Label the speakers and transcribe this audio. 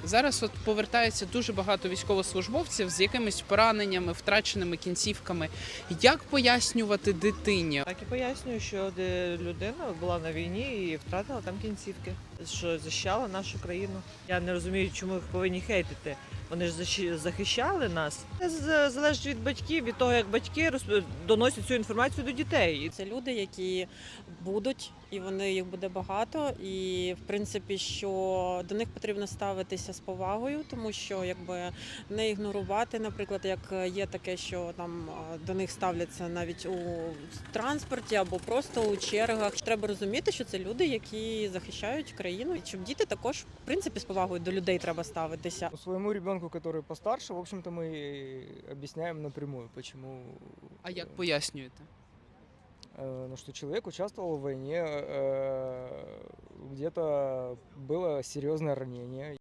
Speaker 1: Зараз от повертається дуже багато військовослужбовців з якимись пораненнями, втраченими кінцівками. Як пояснювати дитині?
Speaker 2: Так і пояснюю, що людина була на війні і втратила там кінцівки, що захищала нашу країну. Я не розумію, чому їх повинні хейтити. Вони ж захищали нас. Це залежить від батьків, від того, як батьки доносять цю інформацію до дітей.
Speaker 3: Це люди, які будуть, і їх буде багато. І в принципі, що до них потрібно ставитися з повагою, тому що не ігнорувати, наприклад, як є таке, що там до них ставляться навіть у транспорті або просто у чергах. Треба розуміти, що це люди, які захищають країну, і щоб діти також в принципі з повагою до людей треба ставитися.
Speaker 4: Своему ребенку, который постарше, в общем-то, мы объясняем напрямую, почему.
Speaker 1: А як пояснюєте?
Speaker 4: Ну, что человек участвовал в войне, где-то было серьезное ранение.